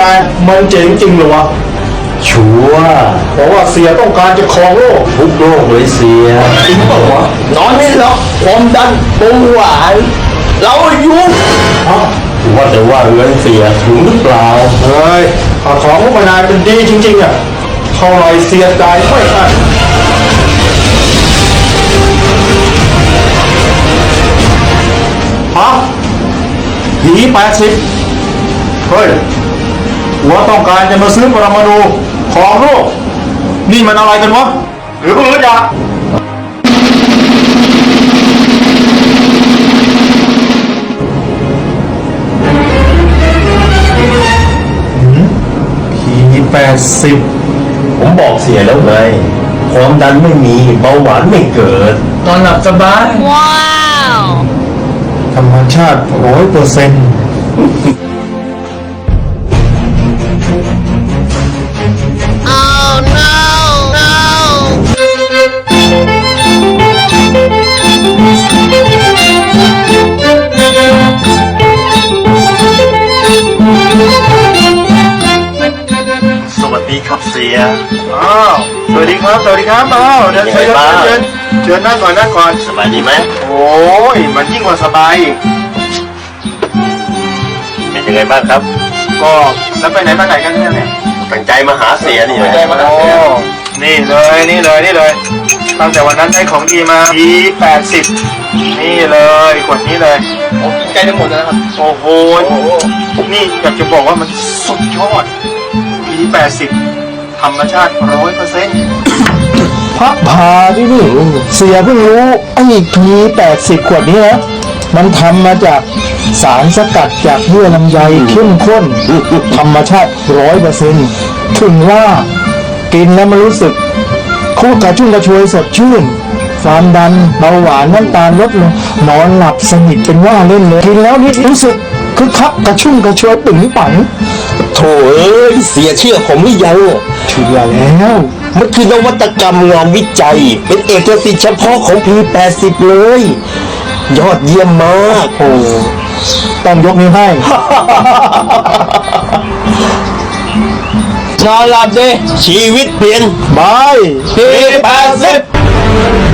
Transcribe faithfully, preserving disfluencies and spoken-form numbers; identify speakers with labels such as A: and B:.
A: นายมันเจ๋งจริงเหรอวะ
B: ชัวร์
A: เพราะว่าเสียต้องการจะครองโลก
B: ทุกโลกเลยเสีย
A: จริงเปล่าวะ
B: นอนไม่หรอกความดันเบาหวานเรายุ่งว่าแต่ว่าเงินเสียถึงหรือเปล่า
A: เฮ้ยของพวกนายเป็นดีจริงๆอ่ะเท่าไรเสียใจไม่อั้นฮะผีแปดสิบเฮ้ยหัวต้องการจะมาซื้อปรมาณูของโลกนี่มันอะไรกันวะหรือเปล่าจ๊ะผีแปดสิบ
B: ผมบอกเสียแล้วไงความดันไม่มีเบาหวานไม่เกิด
A: นอนหลับสบายว้าวธรรมชาติร้อยเปอร์เซ็นต์
B: สวัสดีครับเสีย
A: อ้าวสวัสดีครับสวัสดีครับอ้าวเดินเชิญเชิญเชิญนั่งก่อนนั่งก่อน
B: สบายดีไหม
A: โอ้ยมันยิ่งกว่าสบาย
B: เป็นยังไงบ้างครับ
A: ก็แล้วไปไหนมาไหนกันเนี่ย
B: ตั้งใจมาหาเสียนี่
A: ตั้งใจมาหาเสียนี่เลยนี่เลยนี่เลยตั้งแต่วันนั้นได้ของดีมาทีแปดสิบนี่เลยขวดนี้เลย
B: โอ้ใกล้จะหมดแล้วนะครับ
A: โอ้โหนี่อยากจะบอกว่ามันสุดยอดทีแปดสิบธรรมชาติร้อยเปอร์เซ็นต์พักพาที่นี่เสียเพิ่งรู้ไอ้ทีแปดสิบขวดนี้นะมันทำมาจากสารสกัดจากเยื่อลำไยเข้มข้นธรรมชาติร้อยเปอร์เซ็นต์ถึงว่ากินแล้วมันรู้สึกคู่กระชุ่มกระชวยสดชื่นความดันเบาหวานน้ำตาลลดลงนอนหลับสนิทเป็นว่าเล่นเลยกินแล้วนี่รู้สึกคึกคักกระชุ่มกระชวยปึ๋งปัง
B: โถ่เอ้ยเสียเชื่อผมหรือยัง
A: เชื่อแล้ว
B: มันคือนวัตกรรมงานวิจัยเป็นเอกสิทธิ์เฉพาะของ พี แปดสิบ เลยยอดเยี่ยมมาก
A: โอ้ต้องยกนิ้วให้
B: นอนหลับดิชีวิตเปลี่ยน
A: บาย
B: พี แปดสิบ